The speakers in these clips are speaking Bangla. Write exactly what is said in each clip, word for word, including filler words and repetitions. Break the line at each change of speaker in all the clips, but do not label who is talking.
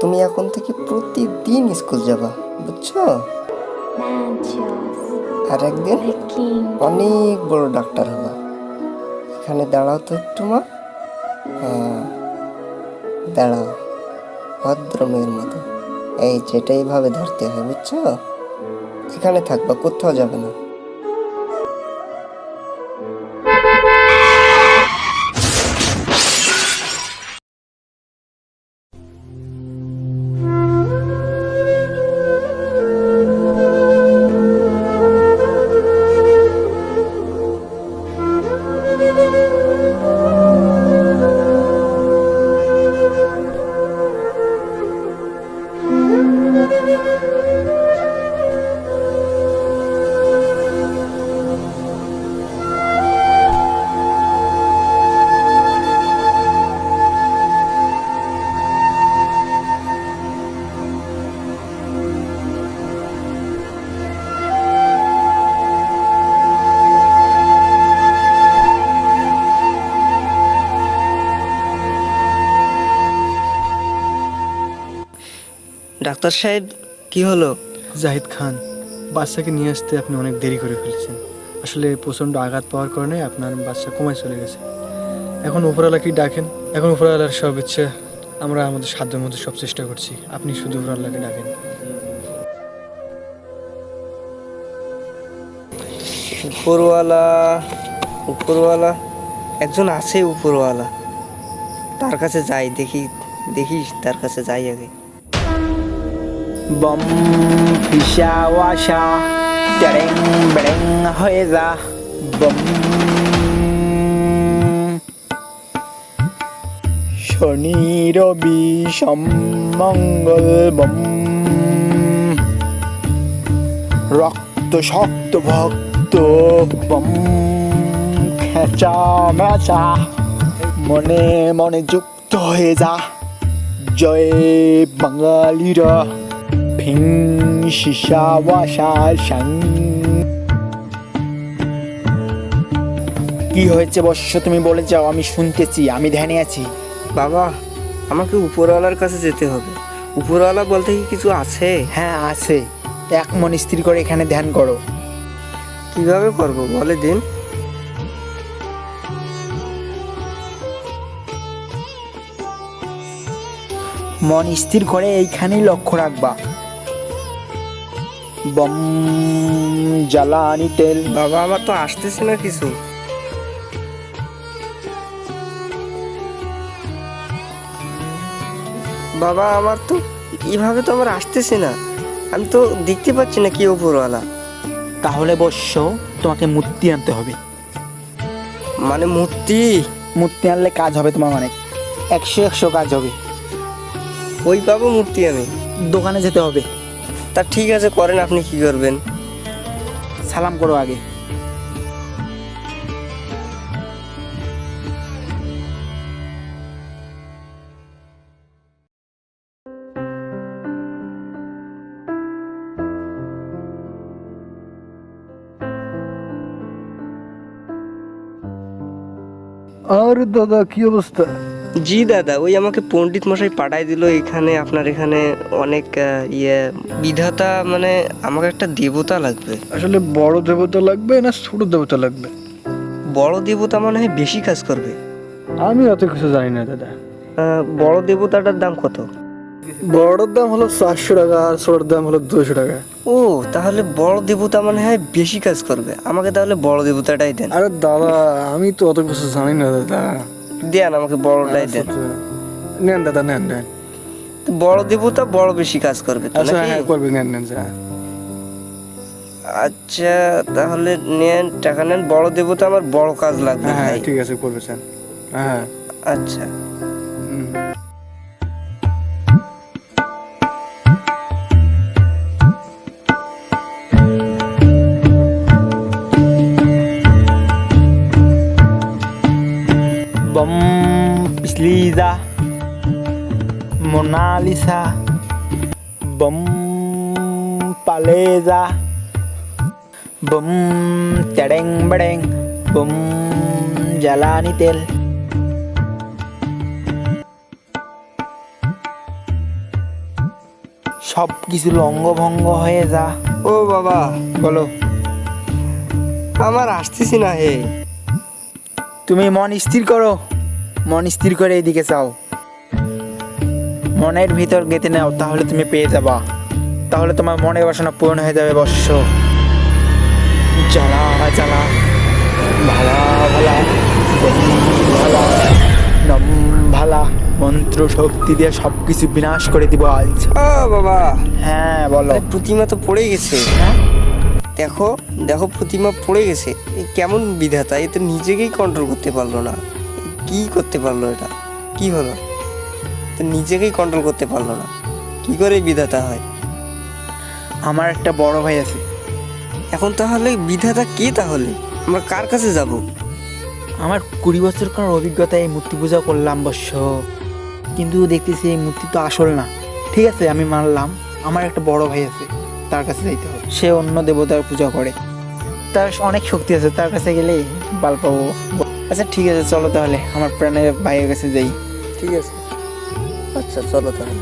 তুমি এখন থেকে প্রতিদিন স্কুল যাবা, বুঝছো? আর একদিন অনেক বড় ডাক্তার হবা। এখানে দাঁড়াও তো একটু মা। হ্যাঁ, দাঁড়াও ভদ্র মেয়ের মতো। এই যেটা এইভাবে ধরতে হয়, বুঝছো? এখানে থাকবা, কোথাও যাবে না। ডাক্তার সাহেব, কি হলো?
জাহিদ খান, বাচ্চাকে নিয়ে আসতে আপনি অনেক দেরি করে ফেলেছেন। আসলে প্রচণ্ড আঘাত পাওয়ার কারণে আপনার বাচ্চা কমায় চলে গেছে। এখন উপরওয়ালাকে ডাকেন। এখন উপরওয়ালার সব ইচ্ছে, আমরা আমাদের সাধ্যের মধ্যে সব চেষ্টা করছি। আপনি শুধু উপরওয়ালাকে ডাকেন।
উপরওয়ালা উপরওয়ালা একজন আছে, উপরওয়ালা। তার কাছে যাই, দেখি দেখি তার কাছে যাই আগে।
বম ফিসা ওয়াশা টেরেং বেড়েং হয়ে যা বম। শনি রবি সোম মঙ্গল বম। রক্ত শক্ত ভক্ত বম। খেঁচা মেচা মনে মনে যুক্ত হয়ে যা। জয় বাঙালিরা ভিং শিশা ওয়াশা সাং। কি হয়েছে বৎস, তুমি বলে যাও, আমি শুনতেছি, আমি ধ্যানে আছি।
বাবা, আমাকে উপরওয়ালার কাছে যেতে হবে। উপরওয়ালা বলতে কি কিছু আছে?
হ্যাঁ আছে, এক মন স্থির করে এখানে ধ্যান করো।
কিভাবে করব বলে দিন।
মন স্থির করে এইখানেই লক্ষ্য রাখবা। বম জ্বালানি তেল।
বাবা, আমার তো আসতেছে না কিছু। বাবা, আমার তো এইভাবে তো আমার আসতেছে না। আমি তো দেখতে পাচ্ছি না কি উপরওয়ালা।
তাহলে বৎস, তোমাকে মূর্তি আনতে হবে।
মানে মূর্তি?
মূর্তি আনলে কাজ হবে তোমার অনেক, একশো একশো কাজ হবে।
ওই পাবো মূর্তি আমি?
দোকানে যেতে হবে।
তা ঠিক আছে, করেন, আপনি কি করবেন?
সালাম করো আগে।
আর দাদা, কি অবস্থা?
জি দাদা, ওই আমাকে পণ্ডিত মশাই পাঠাই দিল এখানে। আপনার এখানে অনেক আহ, ইয়ে বিধাতা, মানে আমাকে একটা দেবতা লাগবে।
আসলে বড় দেবতা লাগবে না ছোট দেবতা লাগবে?
বড় দেবতা মনে হয় বেশি কাজ করবে।
আমি অত কিছু জানি না দাদা।
আহ, বড় দেবতাটার দাম কত?
বড়র দাম হলো চারশো টাকা আর ছোটোর দাম হলো দুশো টাকা।
ও, তাহলে বড় দেবতা মনে হয় বেশি কাজ করবে। আমাকে তাহলে বড় দেবতাটাই দেন।
আরে দাদা, আমি তো অত কিছু জানি না দাদা।
দেন, আমাকে বড়টাই দেন।
নেন দাদা, নেন নেন।
বড় দেবতা বড় বেশি কাজ করবে তো
আচ্ছা
নাকি?
হ্যাঁ, করবে, নেন নেন যা।
আচ্ছা, তাহলে নেন, টাকা নেন। বড় দেবতা আমার বড় কাজ লাগবে
হ্যাঁ হ্যাঁ
ভাই।
ঠিক আছে, করবে স্যার। হ্যাঁ
আচ্ছা।
হুম।
बम पिछलीजा मोनालिसा बम पालेजा बम टेडेंग बडेंग बम জ্বালানি তেল। সব কিছু লঙ্গভঙ্গ হয়ে যা।
ও বাবা,
বলো।
আমার আসতেছি না হে।
তুমি মন স্থির করো, মন স্থির করে এইদিকে চাও, মনের ভিতর গেঁথে নাও, তাহলে তুমি পেয়ে যাবা, তাহলে তোমার মনের বাসনা পূরণ হয়ে যাবে বৎস। জ্বালা জ্বালা ভালা ভালা ভালা নম ভালা, মন্ত্র শক্তি দিয়ে সব কিছু বিনাশ করে দিব আজ।
ও বাবা,
হ্যাঁ বলো।
আরে প্রতিমা তো পড়ে গেছে।
হ্যাঁ?
দেখো দেখো প্রতিমা পড়ে গেছে। এ কেমন বিধাতা, এ তো নিজেকেই কন্ট্রোল করতে পারলো না। কি করতে পারলো এটা? কি হলো? তো নিজেকেই কন্ট্রোল করতে পারলো না, কি করে বিধাতা হয়?
আমার একটা বড় ভাই আছে।
এখন তাহলে বিধাতা কে? তাহলে আমরা কার কাছে যাব?
আমার কুড়ি বছরকার অভিজ্ঞতা, এই মূর্তি পূজা করলাম অবশ্য, কিন্তু দেখতেছি এই মূর্তি তো আসল না। ঠিক আছে, আমি মানলাম, আমার একটা বড় ভাই আছে, তার কাছে যাইতে হবে। সে অন্য দেবতার পূজা করে, তার অনেক শক্তি আছে, তার কাছে গেলেই বাল পাবো। আচ্ছা ঠিক আছে, চলো তাহলে আমার প্রাণের ভাইয়ের কাছে যাই।
ঠিক আছে, আচ্ছা চলো তাহলে।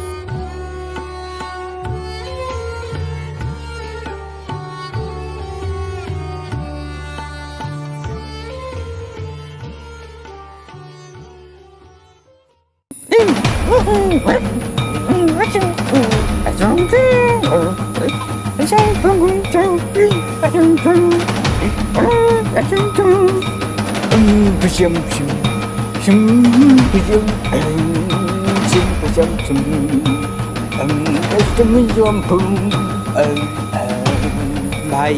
ভাই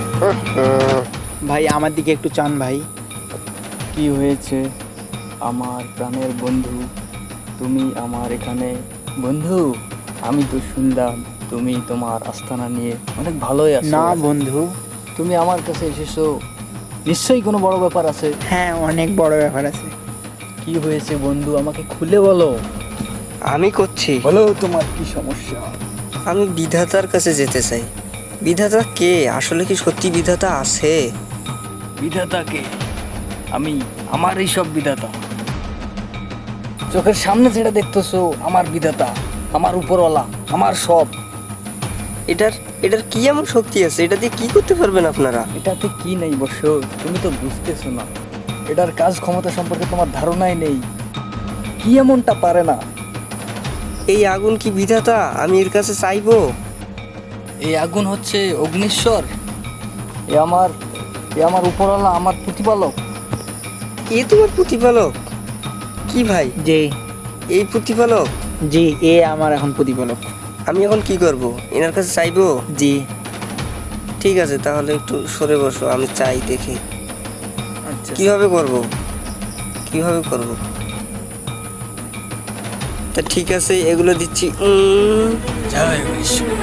ভাই আমার দিকে একটু চান ভাই।
কি হয়েছে আমার প্রাণের বন্ধু? তুমি আমার এখানে বন্ধু? আমি তো শুনলাম তুমি তোমার আস্তানা নিয়ে অনেক ভালোই আছো।
না বন্ধু।
তুমি আমার কাছে এসেছো, নিশ্চয়ই কোনো বড় ব্যাপার আছে।
হ্যাঁ, অনেক বড় ব্যাপার আছে।
কি হয়েছে বন্ধু, আমাকে খুলে বলো।
আমি করছি।
বলো তোমার কি সমস্যা।
আমি বিধাতার কাছে যেতে চাই। বিধাতা কে? আসলে কি সত্যি বিধাতা আছে?
বিধাতাকে? আমি আমার এই সব বিধাতা চোখের সামনে যেটা দেখতেছো আমার বিধাতা, আমার উপরওয়ালা, আমার সব।
এটার এটার কি এমন শক্তি আছে? এটা দিয়ে কি করতে পারবেন আপনারা?
এটাতে কি নেই বর্ষ, তুমি তো বুঝতেছো না। এটার কাজ ক্ষমতা সম্পর্কে তোমার ধারণাই নেই। কি এমনটা পারে না?
এই আগুন কি বিধাতা? আমি এর কাছে চাইবো?
এই আগুন হচ্ছে অগ্নিশ্বর, এ আমার এ আমার উপরওয়ালা, আমার প্রতিপালক।
এ তোমার প্রতিপালক? কি ভাই,
জি
এই প্রতিপালক?
জি, এ আমার এখন প্রতিপালক।
আমি এখন কি করব? এনার কাছে চাইবো?
জি।
ঠিক আছে, তাহলে একটু সরে বসো, আমি চাই দেখি
আচ্ছা,
কিভাবে করব, কিভাবে করব। তা ঠিক আছে, এগুলো দিচ্ছি। উম,
জয় অগ্নিশ্বর।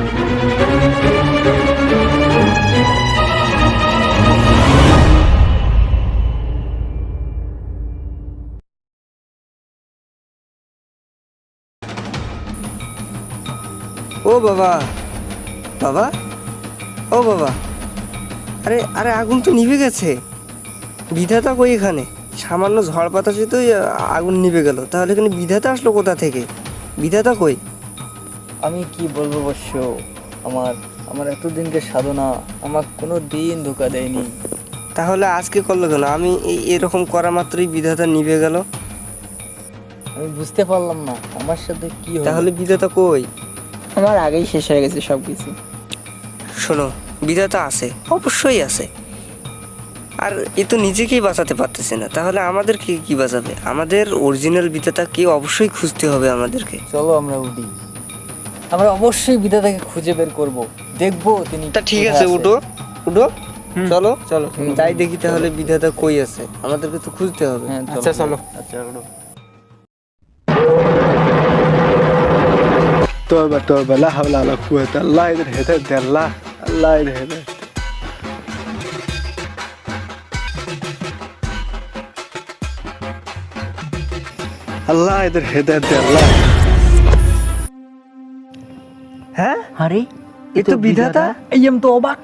ও বাবা, বাবা, ও বাবা, আরে আরে আগুন তো নিভে গেছে। বিধাতা কই এখানে? সামান্য ঝড় বাতাসেই আগুন নিভে গেল, তাহলে এখানে বিধাতা আসলো কোথা থেকে? বিধাতা কই?
আমি কি বলবো বর্ষ, আমার আমার এতদিনকে সাধনা আমার কোনো দিন ধোকা দেয়নি।
তাহলে আজকে করলো কেন? আমি এই এরকম করা মাত্রই বিধাতা নিভে গেল।
আমি বুঝতে পারলাম না আমার সাথে কি হলো।
তাহলে বিধাতা কই?
আমার আগেই শেষ হয়ে গেছে সব কিছু।
শোনো, বিধাতা আছে, অবশ্যই আছে। আর এ তো নিজেকেই বাঁচাতে পারতেছে না, তাহলে আমাদেরকে কি বাঁচাবে? আমাদের অরিজিনাল বিধাতাকে অবশ্যই খুঁজতে হবে আমাদেরকে।
চলো আমরা উঠি, আমরা অবশ্যই বিধাতাকে খুঁজে বের করব, দেখবো তিনি
তা ঠিক
কোথায়
আছে,
আছে।
উঠো উঠো, চলো
চলো।
যাই দেখি তাহলে বিধাতা কই আছে, আমাদেরকে তো খুঁজতে হবে।
হ্যাঁ
আচ্ছা, চলো।
আচ্ছা উঠো।
توبة توبة لا حول ولا قوة الله إذا هديت الله الله إذا هديت الله إذا هديت الله
হ্যাঁ,
আরে
এ তো বিধাতা।
এই আমি তো অবাক।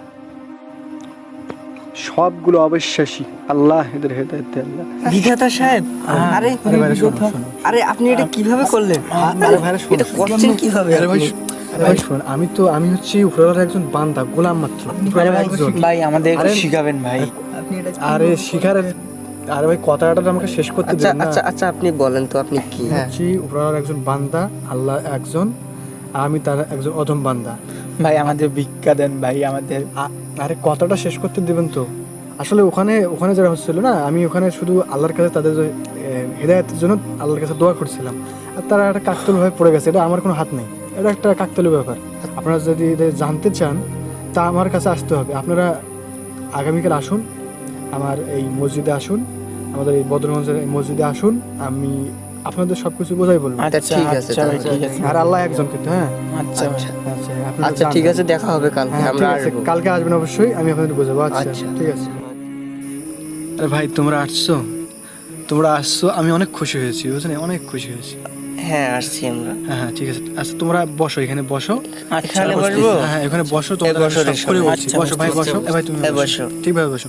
সবগুলো অবিশ্বাসী আল্লাহ এদের হেদায়েত আল্লাহ।
বিধাতা সাহেব, আরে
আরে ভাইরা শোনো, শোনো।
আরে আপনি এটা কিভাবে করলেন?
আরে ভাইরা শোনো,
এটা করছেন কিভাবে?
আরে ভাই
আপনি?
আরে ভাই শুনুন, আমি তো আমি হচ্ছি উপরওয়ালার একজন বান্দা, গোলাম মাত্র, উপরওয়ালার একজন।
ভাই আমাদের
আরে-
শিখাবেন ভাই।
আরে শিখার, আরে ভাই কথাটা তো আমাকে শেষ করতে
আচ্ছা
দিন না।
আচ্ছা আচ্ছা আপনি বলেন তো আপনি কি?
হ্যাঁ।
হচ্ছি উপরওয়ালার একজন বান্দা, আল্লাহ একজন, আর আমি তার একজন অধম বান্দা।
ভাই আমাদের ভিক্ষা দেন ভাই আমাদের।
আ- আরে কথাটা শেষ করতে দিবেন তো। আসলে ওখানে ওখানে যারা হচ্ছিল না, আমি ওখানে শুধু আল্লাহর কাছে তাদের যে, এ, হেদায়েতের জন্য আল্লাহর কাছে দোয়া করছিলাম, আর তারা একটা কাকতালীয় ভাবে পড়ে গেছে। এটা আমার কোনো হাত নেই, এটা একটা কাকতালীয় ব্যাপার। আপনারা যদি এটা জানতে চান তা আমার কাছে আসতে হবে। আপনারা আগামীকাল আসুন, আমার এই মসজিদে আসুন, আমাদের এই বদরগঞ্জের এই মসজিদে আসুন, আমি আপনাদের সব কিছু বোঝাই বলবো।
আচ্ছা, ঠিক আছে,
আচ্ছা ভাই,
তাহলে।
ঠিক আছে।
আর আল্লাহ একজন কিন্তু, হ্যাঁ।
আচ্ছা ভাই।
আচ্ছা
আচ্ছা আপনারা
আচ্ছা
যান।
ঠিক আছে, দেখা হবে কালকে,
হ্যাঁ,
আমরা
ঠিক আছে,
আসবো।
কালকে আসবেন অবশ্যই, আমি আপনাদের বোঝাবো। আচ্ছা
আচ্ছা।
ঠিক আছে। আরে ভাই তোমরা আসছো, তোমরা আসছো, আমি অনেক খুশি হয়েছি, বুঝলেন, অনেক খুশি হয়েছি।
হ্যাঁ আসছি আমরা।
হ্যাঁ হ্যাঁ ঠিক আছে। আচ্ছা তোমরা বসো, এখানে বসো।
আচ্ছা
এখানে
বসতেছি।
বসবো?
হ্যাঁ হ্যাঁ, এখানে বসো, তোমাদের
বসো
আমি
রে
সব করে
সবাই।
বলছি।
আচ্ছা,
বসো ভাই,
বসো।
বসো। এ ভাই তুমি
এ
বসো,
বসো।
ঠিকভাবে বসো।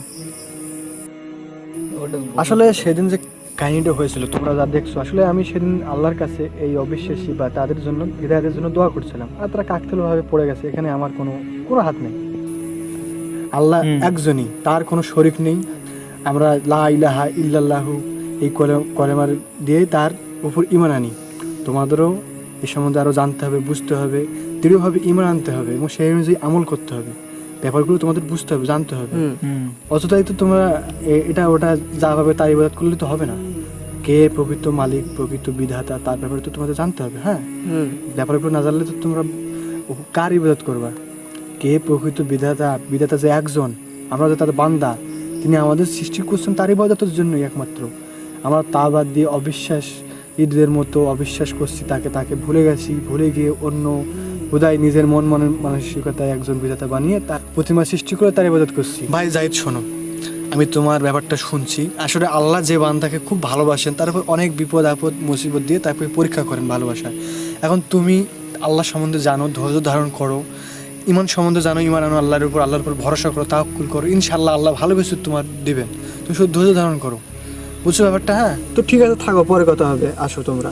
আসলে সেদিন যে কাহিনীটা হয়েছিল তোমরা যা দেখছো, আসলে আমি সেদিন আল্লাহর কাছে এই অবিশ্বাসী বা তাদের জন্য, হৃদয়ের জন্য দোয়া করছিলাম, আর তারা কাকতালীয় ভাবে পড়ে গেছে। এখানে আমার কোনো কোনো হাত নেই। আল্লাহ
হুম।
একজনই, তার কোনো শরীক নেই। আমরা লা ইলাহা ইল্লাল্লাহু এই কলে- কলেমার দিয়ে তার উপর ঈমান আনি। তোমাদেরও এই সম্বন্ধে আরও জানতে হবে, বুঝতে হবে, দৃঢ়ভাবে ঈমান আনতে হবে এবং সেই অনুযায়ী আমল করতে হবে। ব্যাপারগুলো তোমাদের বুঝতে হবে, জানতে হবে।
হুম
হুম।
অযথাই তো তোমরা এ- এটা ওটা যা ভাবে তার ইবাদত করলে তো হবে না। কে প্রকৃত মালিক, প্রকৃত বিধাতা, তার ব্যাপারে তো তোমাদের জানতে হবে। হ্যাঁ,
হুম
ব্যাপারগুলো না জানলে তো তোমরা কার ইবাদত করবা? কে প্রকৃত বিধাতা? বিধাতা যে একজন, আমরা যে তার বান্দা, তিনি আমাদের সৃষ্টি করছেন তার ইবাদতের জন্যই একমাত্র। আমরা তা বাদ দিয়ে অবিশ্বাস, ঈদের মতো অবিশ্বাস করছি তাকে, তাকে ভুলে গেছি, ভুলে গিয়ে অন্য হুদায় নিজের মন মনের মানসিকতায় একজন বিধাতা বানিয়ে তার প্রতিমা সৃষ্টি করে তার ইবাদত করছি। ভাই জাহিদ শোনো, আমি তোমার ব্যাপারটা শুনছি। আসলে আল্লাহ যে বান্দাকে খুব ভালোবাসেন, তার উপর অনেক বিপদ আপদ মুসিবত দিয়ে তারপরে পরীক্ষা করেন ভালোবাসায়। এখন তুমি আল্লাহ সম্বন্ধে জানো, ধৈর্য ধারণ করো, ইমান সম্বন্ধে জানো, ইমান আনো আল্লাহর উপর, আল্লাহর উপর ভরসা করো, তাওয়াক্কুল করো, ইনশাআল্লাহ আল্লাহ ভালো কিছু তোমার দিবেন। তুমি শুধু ধৈর্য ধারণ করো, বুঝছো ব্যাপারটা? হ্যাঁ তো ঠিক আছে, থাকো, পরে কথা হবে, আসো তোমরা।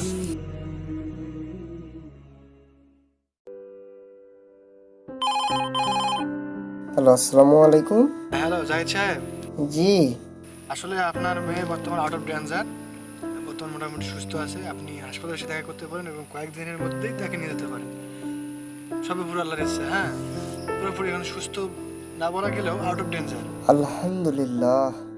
হ্যালো, আসসালামু আলাইকুম।
হ্যালো জাহিদ সাহেব,
জি
আসলে আপনার মেয়ে বর্তমান আউট অফ ডেঞ্জার, বর্তমান মোটামুটি সুস্থ আছে। আপনি হাসপাতালে এসে দেখা করতে পারেন এবং কয়েকদিনের মধ্যেই তাকে নিয়ে যেতে পারেন। সবে পুরো আল্লাহর ইচ্ছা। হ্যাঁ, পুরোপুরি এখন সুস্থ না বলা গেলেও আউট অফ ডেঞ্জার।
আলহামদুলিল্লাহ।